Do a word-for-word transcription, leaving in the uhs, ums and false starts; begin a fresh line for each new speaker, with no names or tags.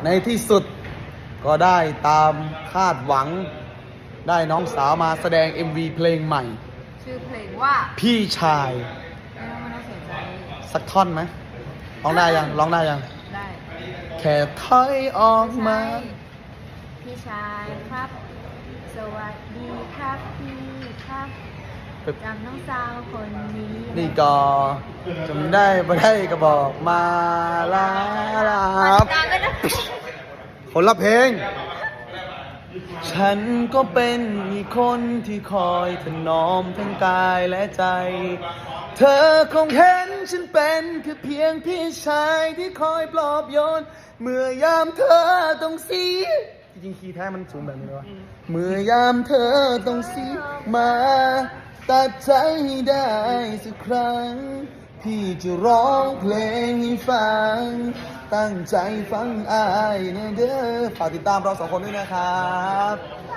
ในที่สุดก็ได้ตามคาดหวังได้น้องสาวมาแสดง เอ็ม วี เพลงใหม่
ชื่อเพลงว่า
พี่ชาย
ไม่ต้องไม่ต้องสนใจ
สักท่อนไหมร้องได้ยังร้องได้ยัง
ได้
แค่ถอยออกมา
พี่ชายครับ สวัสดีครับพี่ครับจำน้องสาวคนนี้
นี่ก็จำได้บ่ได้ก็บอกมาลาลา
กลางก็ได้
คนละเพลง ฉันก็เป็นอีกคนที่คอยถนอมทั้งกายและใจ เธอคงเห็นฉันเป็นแค่เพียงพี่ชายที่คอยปลอบโยน เมื่อยามเธอต้องเสียจริงๆคีย์แท้มันสูงแบบนี้เลยวะเมื่อยามเธอต้องเสียมาตัดใจให้ได้สักครั้ง พี่จะร้องเพลงให้ฟัง ตั้งใจฟังอายนะเด้อฝากติดตามเราสองคนด้วยนะครับ